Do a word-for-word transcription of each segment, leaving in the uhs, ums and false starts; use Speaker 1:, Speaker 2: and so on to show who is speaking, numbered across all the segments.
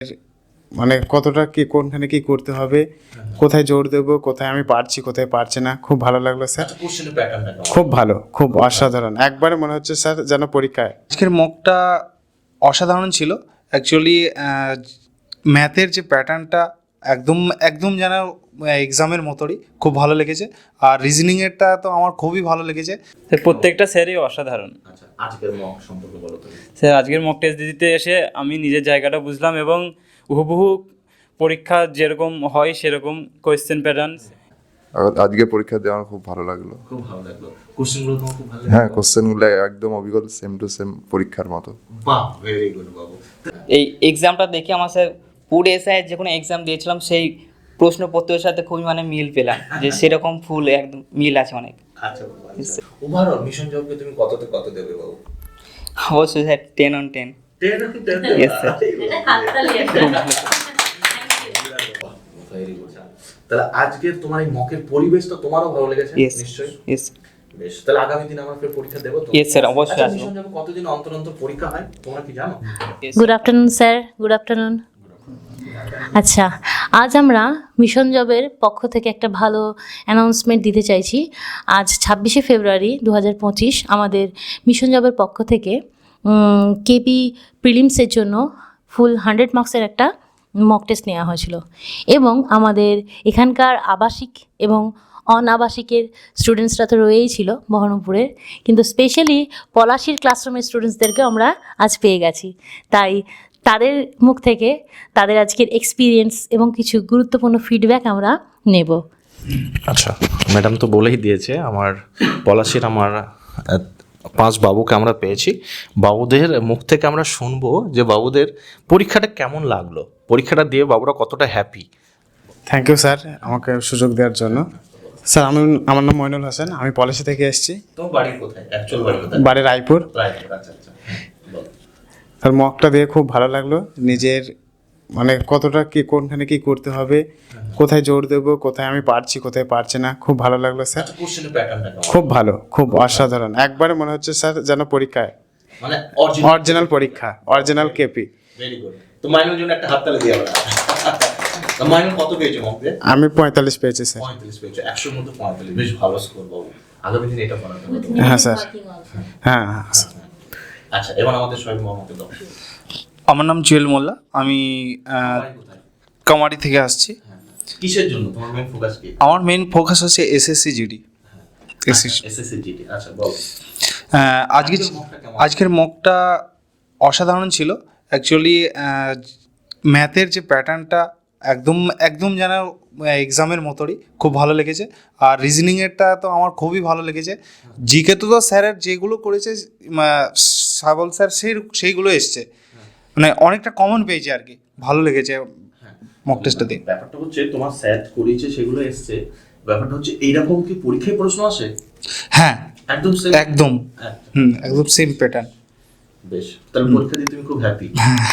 Speaker 1: মানে কতটা কি কোনখানে কি করতে হবে, কোথায় জোর দেবো, কোথায় আমি পারছি কোথায় পারছি না, খুব ভালো লাগলো স্যার।
Speaker 2: কোশ্চেনের প্যাটার্নটা
Speaker 1: খুব ভালো, খুব অসাধারণ, একবারে মনে হচ্ছে স্যার যেন পরীক্ষায়।
Speaker 3: আজকের মকটা অসাধারণ ছিল অ্যাকচুয়ালি। ম্যাথের যে প্যাটার্নটা একদম একদম যেন এক্সামের মতোই খুব ভালো লেগেছে। আর রিজনিংয়েরটা তো আমার খুবই ভালো লেগেছে।
Speaker 4: প্রত্যেকটা স্যারই অসাধারণ।
Speaker 2: আচ্ছা, আজকের মক সম্পর্কে বলো তুমি।
Speaker 4: স্যার আজকের মক টেস্ট দিতে এসে আমি নিজের জায়গাটা বুঝলাম এবং হুবহু পরীক্ষা যেরকম হয় সেরকম কোয়েশ্চেন প্যাটার্ন।
Speaker 5: আজকে পরীক্ষা দিয়ে আমার খুব ভালো লাগলো।
Speaker 2: খুব ভালো লাগলো। কোশ্চেনগুলো তোমার খুব ভালো লাগলো?
Speaker 5: হ্যাঁ, কোশ্চেনগুলো একদম অবিকল সেম টু সেম পরীক্ষার মতো।
Speaker 2: বাহ, ভেরি গুড বাবু।
Speaker 6: এই এক্সামটা দেখে আমার স্যার পুরো এসআইয়ের যে কোনো এক্সাম দিয়েছিলাম সেই প্রশ্নপত্রের সাথে খুবই মানে মিল পেলাম, যে সেরকম ফুল একদম মিল আছে অনেক।
Speaker 2: আচ্ছা বাবু, আচ্ছা। ওভারঅল মিশন জবকে তুমি কততে কত দেবে বাবু?
Speaker 6: অবশ্যই sir ten on ten.
Speaker 2: Ten on ten?
Speaker 6: Yes, sir.
Speaker 2: Very good. তাহলে আজকের তোমার এই মকের পরিবেশটা তোমারও ভালো লেগেছে
Speaker 6: Yes,
Speaker 2: নিশ্চয়ই?
Speaker 6: yes.
Speaker 2: বেশ, তাহলে আগামী দিন আমরা ফের পরীক্ষা দেবো তো?
Speaker 6: Yes, sir, অবশ্যই
Speaker 2: আচ্ছা,
Speaker 6: আসবো।
Speaker 2: মিশন জবে কতদিন অন্তর অন্তর পরীক্ষা হয় তোমরা কি জানো?
Speaker 7: Good afternoon sir, good afternoon. আচ্ছা, আজ আমরা মিশন জবের পক্ষ থেকে একটা ভালো অ্যানাউন্সমেন্ট দিতে চাইছি। আজ ছাব্বিশে ফেব্রুয়ারি দু হাজার পঁচিশ আমাদের মিশন জবের পক্ষ থেকে কেপি প্রিলিমসের জন্য ফুল হান্ড্রেড মার্কসের একটা মক টেস্ট নেওয়া হয়েছিল এবং আমাদের এখানকার আবাসিক এবং অনাবাসিকের স্টুডেন্টসরা তো রয়েই ছিল বহরমপুরের, কিন্তু স্পেশালি পলাশির ক্লাসরুমের স্টুডেন্টসদেরকেও আমরা আজ পেয়ে গেছি। তাই তাদের মুখ থেকে তাদের আজকের এক্সপিরিয়েন্স এবং কিছু গুরুত্বপূর্ণ ফিডব্যাক আমরা নেব।
Speaker 8: আচ্ছা, ম্যাডাম তো বলেই দিয়েছে আমার পলাশির আমার আহ, পাঁচ বাবুকে আমরা পেয়েছি। বাবুদের মুখ থেকে আমরা শুনবো যে বাবুদের পরীক্ষাটা কেমন লাগলো, পরীক্ষাটা দিয়ে বাবুরা কতটা হ্যাপি।
Speaker 1: থ্যাংক ইউ স্যার আমাকে সুযোগ দেওয়ার জন্য। স্যার আমি আমার নাম মইনুল হোসেন, আমি পলাশি থেকে এসেছি।
Speaker 2: তোমার বাড়ি কোথায়? অ্যাকচুয়াল বাড়ি কোথায়?
Speaker 1: বাড়ি রায়পুর।
Speaker 2: রায়পুর, আচ্ছা আচ্ছা। বলো।
Speaker 1: আর মকটা দিয়ে খুব ভালো লাগলো, নিজের মানে কতটা কি কোনখানে কি করতে হবে, কোথায় জোর দেবো, কোথায় আমি পারছি কোথায় পারছি না, খুব ভালো লাগলো স্যার।
Speaker 2: আচ্ছা, কোশ্চেনের প্যাটার্নটা কেমন?
Speaker 1: খুব ভালো, খুব অসাধারণ, একবারে মনে হচ্ছে স্যার যেন পরীক্ষায়
Speaker 2: মানে অরিজিনাল
Speaker 1: অরিজিনাল পরীক্ষা, অরিজিনাল কেপি।
Speaker 2: Very good. তো মাইনুর জন্য একটা হাততালি দিয়ে আমরা। তো মাইনুর কত পেয়েছো মকে?
Speaker 1: আমি পঁয়তাল্লিশ পেয়েছি স্যার।
Speaker 2: পঁয়তাল্লিশ পেয়েছো, একশোর মধ্যে পঁয়তাল্লিশ, বেশ ভালো স্কোর বাবু। আগামী দিনে এটা করাতে হবে।
Speaker 1: হ্যাঁ স্যার, হ্যাঁ হ্যাঁ।
Speaker 2: আচ্ছা, এবার আমাদের শহীদ মোহাম্মদকে দাও।
Speaker 3: আমার নাম জুয়েল মোল্লা, আমি আহ,
Speaker 2: বাড়ি কোথায়?
Speaker 3: কামারি থেকে আসছি।
Speaker 2: কিসের জন্য তোমার মেইন ফোকাস কি?
Speaker 3: আমার মেইন ফোকাস হচ্ছে SSC GD. SSC
Speaker 2: SSC GD. আচ্ছা বল।
Speaker 3: আজকে
Speaker 2: আজকের মকটা কেমন?
Speaker 3: আজকের মকটা অসাধারণ ছিল অ্যাকচুয়ালি। ম্যাথের যে প্যাটার্নটা একদম একদম যেন এক্সামের মতোই খুব ভালো লেগেছে। আর রিজনিংয়েরটা তো আমার খুবই ভালো লেগেছে। জিকে তো তো স্যারের যেগুলো করেছে সাবল স্যার সেই সেইগুলো এসছে, মানে অনেকটা কমন পেয়েছে আর কি, ভালো লেগেছে মক টেস্টটা দিয়ে।
Speaker 2: ব্যাপারটা হচ্ছে তোমার স্যার করেছে সেগুলো এসছে, ব্যাপারটা হচ্ছে এইরকম কি পরীক্ষায় প্রশ্ন আসে?
Speaker 3: হ্যাঁ
Speaker 2: একদম same?
Speaker 3: একদম হুম একদম সেম প্যাটার্ন।
Speaker 2: বেশ, তাহলে পরীক্ষা দিয়ে তুমি খুব হ্যাপি?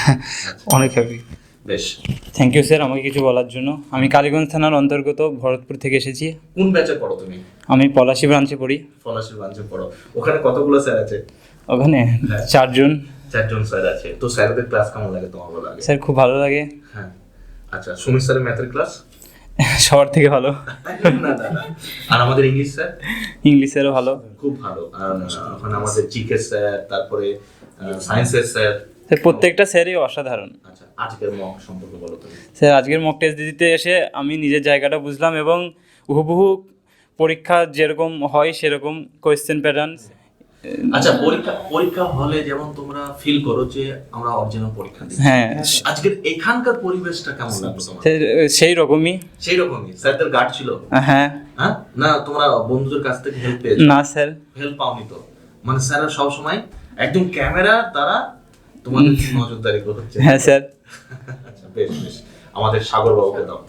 Speaker 3: অনেক হ্যাপি।
Speaker 2: বেশ।
Speaker 4: থ্যাংক ইউ স্যার আমাকে কিছু বলার জন্য। আমি কালীগঞ্জ থানার অন্তর্গত ভরতপুর থেকে এসেছি।
Speaker 2: কোন ব্যাচে পড়ো তুমি?
Speaker 4: আমি পলাশি ব্রাঞ্চে পড়ি।
Speaker 2: ফলাশির ব্রাঞ্চে পড়ো। ওখানে কতগুলো স্যার আছে?
Speaker 4: ওখানে
Speaker 2: হ্যাঁ।
Speaker 4: চারজন।
Speaker 2: চারজন স্যার আছে। তো স্যারদের ক্লাস কেমন লাগে তোমার? ভালো লাগে?
Speaker 4: স্যার খুব ভালো লাগে।
Speaker 2: হ্যাঁ। আচ্ছা, সুমিত স্যারের ম্যাথের ক্লাস?
Speaker 4: সবার থেকে ভালো।
Speaker 2: না না না। আর আমাদের ইংলিশ স্যার?
Speaker 4: ইংলিশ স্যারও ভালো।
Speaker 2: খুব ভালো। আর ওখানে আমাদের জিকে স্যার, তারপরে সায়েন্সের স্যার।
Speaker 4: স্যার প্রত্যেকটা স্যারই অসাধারণ।
Speaker 2: আচ্ছা, আজকের মক সম্পর্কে বলো তুমি।
Speaker 4: স্যার আজকের মক টেস্ট দিতে এসে আমি নিজের জায়গাটা বুঝলাম এবং হুবহু পরীক্ষা যেরকম হয় সেরকম কোয়েশ্চেন প্যাটার্ন।
Speaker 2: আচ্ছা, পরীক্ষা পরীক্ষা হলে যেমন তোমরা ফিল করো যে আমরা অরিজিনাল পরীক্ষা দিই,
Speaker 4: হ্যাঁ,
Speaker 2: আজকের এখানকার পরিবেশটা কেমন লাগলো তোমার?
Speaker 4: স্যার সেই রকমই।
Speaker 2: সেই রকমই স্যারদের গার্ড ছিল?
Speaker 4: হ্যাঁ।
Speaker 2: হ্যাঁ, না তোমরা বন্ধুদের কাছ থেকে হেল্প পেয়েছো?
Speaker 4: না স্যার,
Speaker 2: হেল্প পাওনি তো? মানে স্যাররা সব সময় একদম ক্যামেরা দ্বারা তোমাদের নজরদারি করছে?
Speaker 4: হ্যাঁ স্যার।
Speaker 2: আচ্ছা, বেশ বেশ। আমাদের সাগর বাবুকে দাও।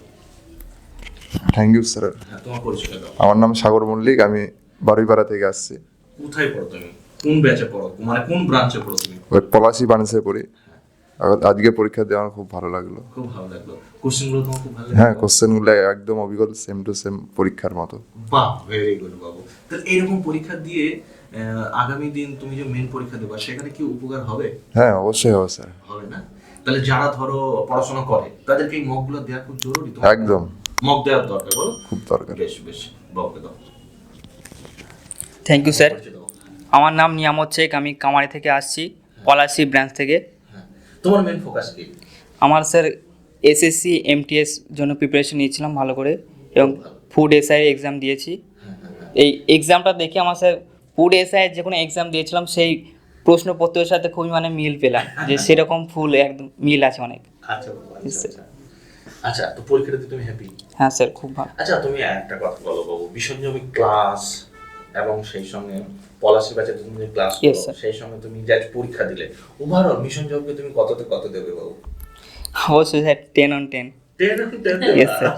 Speaker 5: Thank you sir.
Speaker 2: হ্যাঁ, তোমার পরিচয় দাও।
Speaker 5: আমার নাম সাগর মল্লিক, আমি বারুইপাড়া থেকে আসছি।
Speaker 2: কোথায় পড়ো তুমি? কোন ব্যাচে পড়ো, মানে কোন ব্রাঞ্চে পড়ো তুমি?
Speaker 5: ওই পলাশি বানিসে পড়ি। আজকে পরীক্ষা দিয়ে আমার খুব ভালো লাগলো।
Speaker 2: খুব ভালো লাগলো। কোশ্চেনগুলো তোমার খুব ভালো লাগলো?
Speaker 5: হ্যাঁ, কোশ্চেনগুলো একদম অবিকল সেম টু সেম পরীক্ষার মতো।
Speaker 2: বাহ, ভেরি গুড বাবু। তাহলে এরকম পরীক্ষা দিয়ে আগামী দিন তুমি যে মেন পরীক্ষা দেবা সেখানে কি উপকার হবে?
Speaker 5: হ্যাঁ, অবশ্যই হবে স্যার।
Speaker 2: হবে না? তাহলে যারা ধরো পড়াশোনা করে তাদেরকে এই মকগুলো দেওয়া খুব জরুরি তো
Speaker 5: একদম
Speaker 2: মক দেওয়ার দরকার বলো
Speaker 5: খুব দরকার।
Speaker 2: বেশ বেশ বাবুকে দাও
Speaker 6: থ্যাংক ইউ স্যার।
Speaker 2: পরিচয় দাও।
Speaker 6: আমার নাম নিয়ামত শেখ, আমি কামারি থেকে আসছি, পলাশি ব্রাঞ্চ থেকে।
Speaker 2: হ্যাঁ তোমার মেন ফোকাস কি?
Speaker 6: আমার স্যার এসএসসি এমটিএস জন্য প্রিপারেশন নিয়েছিলাম ভালো করে, এবং ফুড এসআই এক্সাম দিয়েছি। এই এক্সামটা দেখে আমার স্যার ফুড এসআই যে কোনো এক্সাম দিয়েছিলাম সেই প্রশ্নপত্রের সাথে খুবই মানে মিল পেলাম, যে সেরকম ফুল একদম মিল আছে অনেক।
Speaker 2: আচ্ছা বাবু, আচ্ছা, আচ্ছা। আচ্ছা তো পরীক্ষাতে তুমি হ্যাপি?
Speaker 6: হ্যাঁ স্যার, খুব ভালো।
Speaker 2: আচ্ছা তুমি একটা কথা বলো বাবু, বিশ্বজমি ক্লাস এবং সেই সঙ্গে পলাশি ব্যাচে তুমি যে ক্লাস
Speaker 6: Yes,
Speaker 2: করো
Speaker 6: sir.
Speaker 2: সেই সঙ্গে তুমি যে আজ পরীক্ষা দিলে, ওভারঅল মিশন জবকে তুমি কততে কত দেবে বাবু?
Speaker 6: অবশ্যই sir, ten on ten.
Speaker 2: Ten ten
Speaker 6: Yes, sir.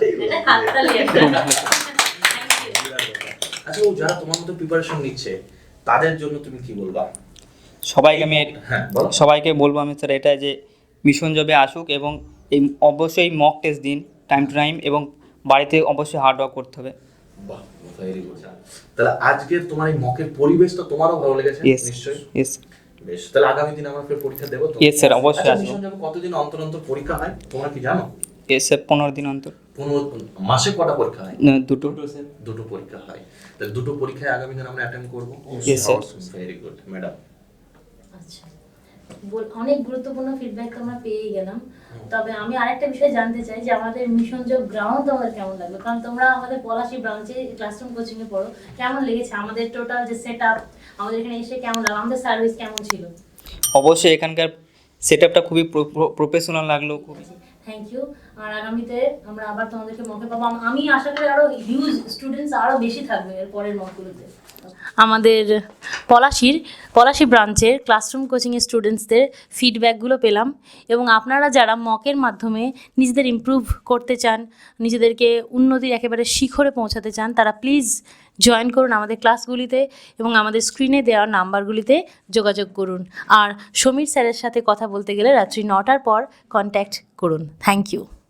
Speaker 2: আচ্ছা ও যারা তোমার মতো প্রিপারেশন নিচ্ছে তাদের জন্য তুমি কি বলবা?
Speaker 6: সবাইকে আমি
Speaker 2: হ্যাঁ বলো।
Speaker 6: সবাইকে বলবো আমি স্যার এটা, যে মিশন জবে আসুক এবং এই অবশ্যই মক টেস্ট দিন টাইম টু টাইম, এবং বাড়িতে অবশ্যই হার্ড ওয়ার্ক করতে হবে।
Speaker 2: বাহ ভেরি গুড। তাহলে আজকের তোমার এই মকের পরিবেশ তো তোমারও ভালো লেগেছে
Speaker 6: ইয়েস
Speaker 2: নিশ্চয়ই?
Speaker 6: ইয়েস
Speaker 2: বেশ, তাহলে আগামী দিন আমরা ফের পরীক্ষা দেবো তো?
Speaker 6: Yes, sir, অবশ্যই
Speaker 2: আচ্ছা,
Speaker 6: আসবো।
Speaker 2: মিশন জবে কতদিন অন্তর অন্তর পরীক্ষা হয় তোমরা কি জানো?
Speaker 6: ইয়েস স্যার, পনেরো দিন অন্তর।
Speaker 2: পনেরো মাসে কটা পরীক্ষা হয়?
Speaker 6: না, দুটো।
Speaker 2: দুটো পরীক্ষা হয়। তাহলে দুটো পরীক্ষায় আগামী দিন আমরা অ্যাটেন্ড করবো।
Speaker 6: Yes, sir.
Speaker 2: Very good madam.
Speaker 7: আচ্ছা, বল- অনেক গুরুত্বপূর্ণ ফিডব্যাক তো আমরা পেয়ে গেলাম। তবে আমি আরেকটা বিষয় জানতে চাই যে আমাদের মিশন জব গ্রাউন্ড তোমাদের কেমন লাগলো, কারণ তোমরা আমাদের পলাশি ব্রাঞ্চে ক্লাসরুম কোচিং এ পড়ো, কেমন লেগেছে আমাদের টোটাল যে সেট আপ, আমাদের এখানে এসে কেমন লাগলো, আমাদের সার্ভিস কেমন ছিল?
Speaker 6: অবশ্যই এখানকার সেট আপটা খুবই প্রফেশনাল লাগলো, খুবই।
Speaker 7: Thank you. আর আগামীতে আমরা আবার তোমাদেরকে মকে পাবো, আম- আমি আশা করি আরো হিউজ স্টুডেন্টস আরো বেশি থাকবে এর পরের মকগুলোতে। আমাদের পলাশির পলাশি ব্রাঞ্চের ক্লাসরুম কোচিংয়ের স্টুডেন্টসদের ফিডব্যাকগুলো পেলাম, এবং আপনারা যারা মকের মাধ্যমে নিজেদের ইমপ্রুভ করতে চান, নিজেদেরকে উন্নতির একেবারে শিখরে পৌঁছাতে চান, তারা প্লিজ জয়েন করুন আমাদের ক্লাসগুলিতে এবং আমাদের স্ক্রিনে দেওয়া নাম্বারগুলিতে যোগাযোগ করুন। আর সমীর স্যারের সাথে কথা বলতে গেলে রাত্রি নটার পর কন্ট্যাক্ট করুন। Thank you.